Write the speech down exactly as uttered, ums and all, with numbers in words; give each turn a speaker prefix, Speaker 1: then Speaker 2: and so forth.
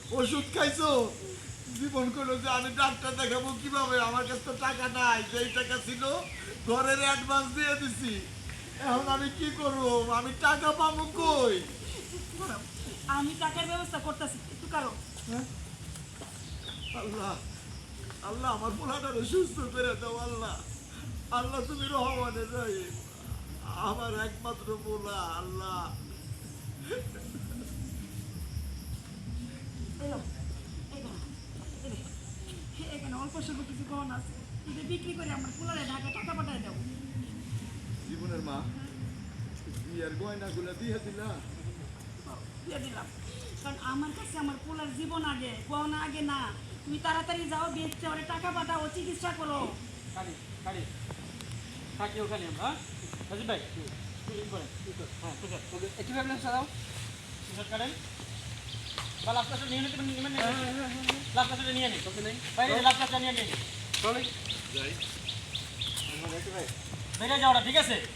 Speaker 1: ওষুধ খাইছো? জীবন করলো যে আমি ডাক্তার দেখাবো কিভাবে, আমার কাছে তো টাকা নাই, যেই টাকা ছিল ঘরের অ্যাডভান্স দিয়ে দিছি, এখন আমি কি করবো, আমি টাকা পাবো কই?
Speaker 2: আমি টাকার ব্যবস্থা করতেছি, একটু কারো।
Speaker 1: হ্যাঁ? আল্লাহ আল্লাহ আমার পোলাটারে সুস্থ করে দাও আল্লাহ। আল্লাহ তুমি রহমানে রহিম, আমার একমাত্র পোলা আল্লাহ।
Speaker 2: এলো, এখানে, এলে। এখানে অল্প স্বল্প কিছু গহনা আছে, এটা বিক্রি করে আমার পোলারে ঢাকা টাকা পাঠায় দেবো।
Speaker 1: জীবনের মা, বিয়ের গয়নাগুলো দিয়ে দিলা?
Speaker 2: দিয়ে দিলাম, কারণ আমার কাছে আমার পোলার জীবন আগে, গহনা আগে না। তুমি তাড়াতাড়ি যাও, বেচতে ওরে টাকা পাঠাও, চিকিৎসা করো।
Speaker 3: কালি কালি থাকি ওখানে আমরা, হ্যাঁ রাজীব ভাই ই করেন, হ্যাঁ ঠিক আছে ওকে একটু ভাবলেন সাদাও টিশার্ট কাটেন বা লাভ কাজটা নিয়ে নিতে নেবেন, লাভ কাজটা নিয়ে নিন ওকে নেই বাইরে লাভ কাজটা নিয়ে নিন চলে
Speaker 1: যাই।
Speaker 3: বেরিয়ে যাওয়াটা ঠিক আছে।